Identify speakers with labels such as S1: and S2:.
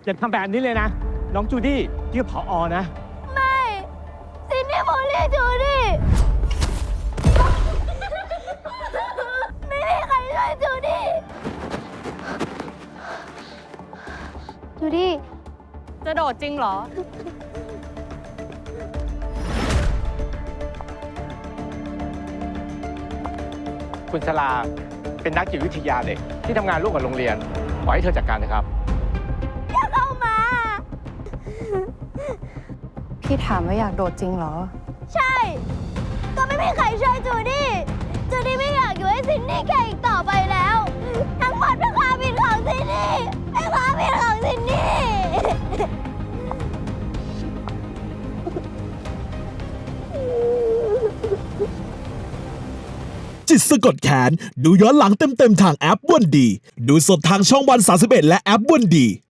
S1: อย่าทำแบบนี้เลยนะ น้องจูดี้ชื่อผอนะ
S2: ไม่ซินนี่บูลลี่จูดี้ไม่มีใครช่วยจูดี้จูดี้
S3: จะโดดจริงเหรอ
S1: คุณชลาเป็นนักจิตวิทยาเด็กที่ทำงานร่วมกับโรงเรียนขอให้เธอจัดการนะครับ
S2: อย่าเข้ามา
S3: พี่ถามว่าอยากโดดจริงเหรอ
S2: ใช่ ก็ไม่มีใครช่วยจูดี้จูดี้ไม่อยากอยู่ให้ซินนี่แค่อีกต่อไปแล้ว ทั้งหมดเป็นความผิดของซินนี่เป็นความผิดของซินนี่
S4: จิตสะกดแขนดูย้อนหลังเต็มๆทางแอปวันดี ดูสดทางช่องวัน31และแอปวันดี